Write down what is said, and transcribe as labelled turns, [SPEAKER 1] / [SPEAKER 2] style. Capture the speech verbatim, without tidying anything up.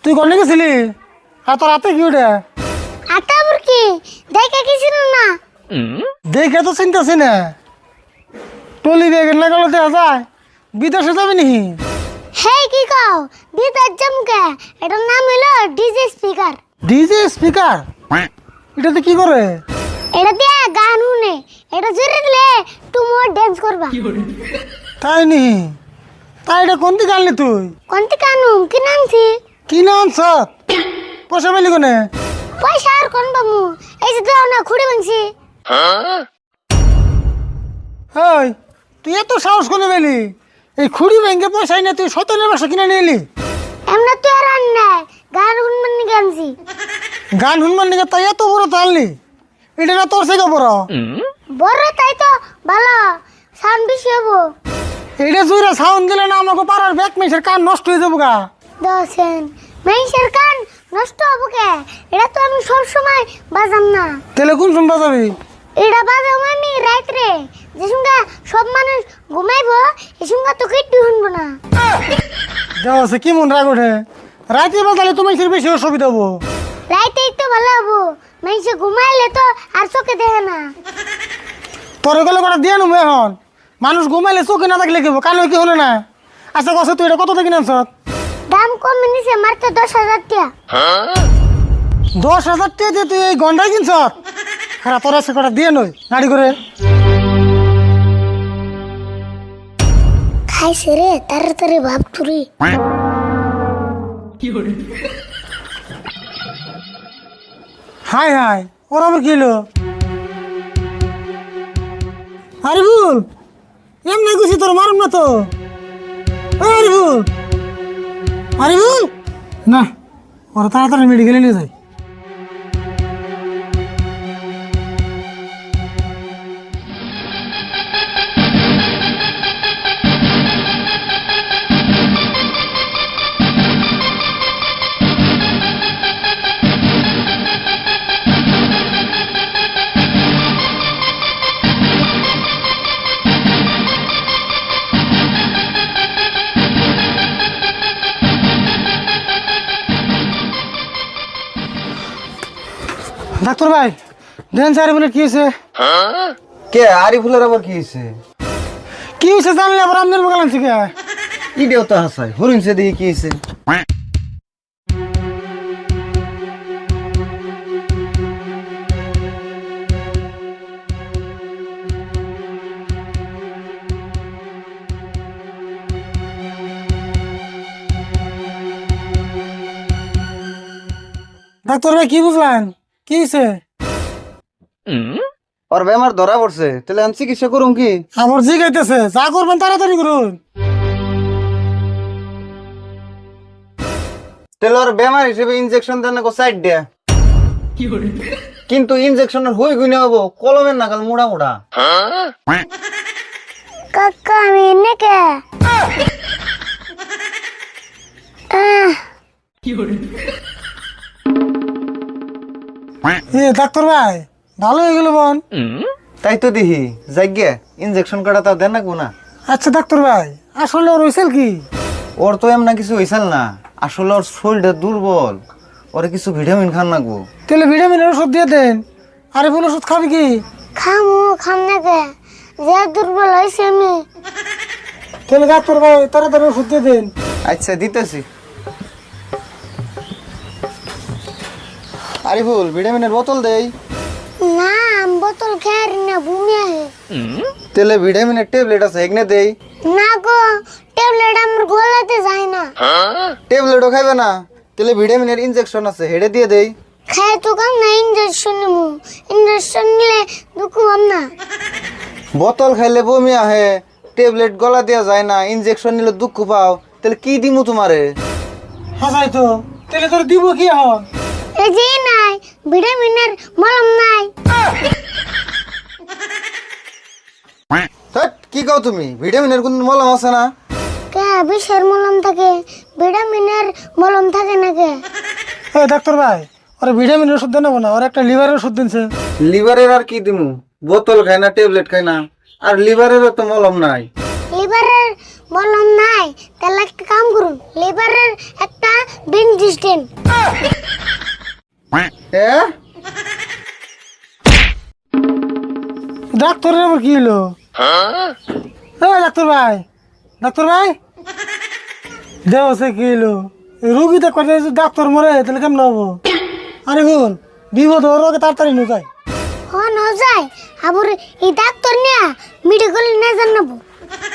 [SPEAKER 1] তুই কোনে গেছিলি? আর তোর হাতে কি ওটা?
[SPEAKER 2] আটা বুরকি দেখে কিছু না।
[SPEAKER 1] দেখে তো চিন্তাছি না। টলি বেগে না গেলে দেখা যায় বিদেশে যাবি নি?
[SPEAKER 2] হে কি কও বিদার জমকে এটার নাম হলো ডিজে স্পিকার।
[SPEAKER 1] DJ speaker? এটাতে কি করে?
[SPEAKER 2] এটা দিয়ে গান শুনে, এটা জোরে দিলে তুমি ডান্স করবা।
[SPEAKER 1] তাই নি? তাই এটা কোন দিকে আনলি তুই?
[SPEAKER 2] কোনটি কানু কি নামছি?
[SPEAKER 1] কি না আনছ? পয়সা পেলি কোনে?
[SPEAKER 2] পয়সা আর কোন বামু, এই যে দাও না খুঁড়ে ভাঙছি।
[SPEAKER 1] হেই, তুই এত সাহস করে পেলি? এই খুঁড়ি ব্যাংকে পয়সা না তুই সতেনের বাসা কিনে নিয়ে এলি?
[SPEAKER 2] এমনা তো আর আন নাই, গান শুনবেন নি গানছি।
[SPEAKER 1] গান শুনবার নিকে তাই এত বড় তো আনলি? এটা না তোর থেকে বড়?
[SPEAKER 2] বড় তাই তো ভালো, সাউন্ড বেশি হবো।
[SPEAKER 1] এটা জুড়ে সাউন্ড দিলে না আমাকে পাড়ার ব্যাক মেসের কান নষ্ট হয়ে যাবো গা।
[SPEAKER 2] দশেন মেইসের কান নষ্ট হবো কে? এটা তো আমি সব সময় বাজাম না।
[SPEAKER 1] তাহলে কোন শুনবা যাবি?
[SPEAKER 2] এটা বাজাম আমি রাত্রে, যে সঙ্গে সব মানুষ ঘুমাইবো এই সঙ্গে তো কেটে শুনবো না।
[SPEAKER 1] দেওয়া কি মন রাগ ওঠে? রাতে বাজালে তোমার বেশি অসুবিধা হবো।
[SPEAKER 2] রাইতেই তো ভালো হবো, মেইসে ঘুমাইলে তো আর চোখে দেখে না।
[SPEAKER 1] তোর গেলে কটা দিয়ে নেবো এখন। মানুষ ঘুমাইলে চোখে না থাকলে কেবো কানে কি হলো না? আচ্ছা কত তুই এটা কত থেকে নামছ?
[SPEAKER 2] দাম কমে নিছে মাত্র দশ হাজার টাকা।
[SPEAKER 1] দশ হাজার টাকা দিয়ে তুই এই গন্ডাই কিনছ? হ্যাঁ তোর আছে কটা দিয়ে নই গাড়ি করে।
[SPEAKER 2] খাইছে রে তাড়াতাড়ি ভাব তুরি।
[SPEAKER 1] হাই হাই ওর আবার কি হলো? আরিফুল এমনি গুছি তোর মারুম না তো। ও আরিফুল, আরিফুল না, ওরা তাড়াতাড়ি মেডিকেলে নিয়ে যায়। ডাক্তার ভাই দেন স্যার বলে কি হয়েছে?
[SPEAKER 3] কে আরিফুলের আবার কি হয়েছে?
[SPEAKER 1] কি হয়েছে জানলে আবার আপনার মোকাল আনছি কে?
[SPEAKER 3] ইডিও তো হাসাই হরিণছে দেখি কি হয়েছে।
[SPEAKER 1] ডাক্তার ভাই কি বুঝলেন? কি হয়েছে?
[SPEAKER 3] ওর বেমার ধরা পড়ছে, তাহলে আমি চিকিৎসা করুম কি?
[SPEAKER 1] আমার জি গাইতেছে, যা করবেন তাড়াতাড়ি করুন।
[SPEAKER 3] তাহলে ওর বেমার হিসেবে ইনজেকশন দেন না সাইড দেয়া, কিন্তু ইনজেকশনের হই গুনে হবো কলমের নাগাল মোড়া মোড়া।
[SPEAKER 2] কাকা আমি এনে কে?
[SPEAKER 1] এ ডাক্তার ভাই ভালো হয়ে গেল বোন।
[SPEAKER 3] তাই তো দেখি যাইগে ইনজেকশন কাটা তাও দেন না গুনা।
[SPEAKER 1] আচ্ছা ডাক্তার ভাই আসলে ওর হয়েছিল কি?
[SPEAKER 3] ওর তো এমন কিছু হয়েছিল না, আসলে ওর শরীরটা দুর্বল, ওরে কিছু ভিটামিন খান নাকবো।
[SPEAKER 1] তাহলে ভিটামিনের ওষুধ দিয়ে দেন। আরে বল ওষুধ খাবি কি?
[SPEAKER 2] খামু খাম না কে, যে দুর্বল হয়েছে আমি।
[SPEAKER 1] তাহলে ডাক্তার ভাই তাড়াতাড়ি ওষুধ দিয়ে দেন।
[SPEAKER 3] আচ্ছা দিতেছি। আরিফুল ভিটামিনের বোতল দেই।
[SPEAKER 2] না আমি বোতল খেয়ে না বমি আহে।
[SPEAKER 3] তেলে ভিটামিনের ট্যাবলেট আছে এগনে দেই।
[SPEAKER 2] না গো ট্যাবলেট আমার গলাতে যায় না।
[SPEAKER 3] ট্যাবলেটও খাইবে না? তেলে ভিটামিনের ইনজেকশন আছে হেডে দিয়ে দেই।
[SPEAKER 2] খাই তো কাম না ইঞ্জেকশন নিমু, ইঞ্জেকশন নিলে দুঃখ হম না।
[SPEAKER 3] বোতল খাইলে বমি আহে, ট্যাবলেট গলা দেওয়া যায় না, ইনজেকশন নিলে দুঃখ পাও, তাহলে কি দিমু তোমারে?
[SPEAKER 1] হাসাই তো তাহলে তোর দিব কি এখন?
[SPEAKER 2] এই যে নাই ভিটামিনের মলম নাই।
[SPEAKER 3] ধ্যাৎ, কি কও তুমি? ভিটামিনের কোন মলম আছে না?
[SPEAKER 2] কে বিষের মলম থাকে, ভিটামিনের মলম থাকে না কে?
[SPEAKER 1] এ ডাক্তার ভাই ওরা ভিটামিনের ওষুধ দেন না, ওর একটা লিভারের ওষুধ দিনছে।
[SPEAKER 3] লিভারের আর কি দিমু? বোতল খাই না, ট্যাবলেট খাই না, আর লিভারেরও তো মলম নাই।
[SPEAKER 2] লিভারের মলম নাই, তাহলে একটা কাম করুন, লিভারের একটা বেঞ্জ অ্যাসিস্ট্যান্ট।
[SPEAKER 3] এ
[SPEAKER 1] ডাক্তারের আবার কি হলো? এ ডাক্তার ভাই, ডাক্তার ভাই, দেহ সে কি হলো? রুগী তো কথা ডাক্তার মরে তাহলে কেমন হবো? আরে ভুল বিপদ ওর আগে তাড়াতাড়ি নিয়ে যায়।
[SPEAKER 2] হন হজায় আবার এই ডাক্তার নিয়ে মেডিকেল নিয়ে জানাবো।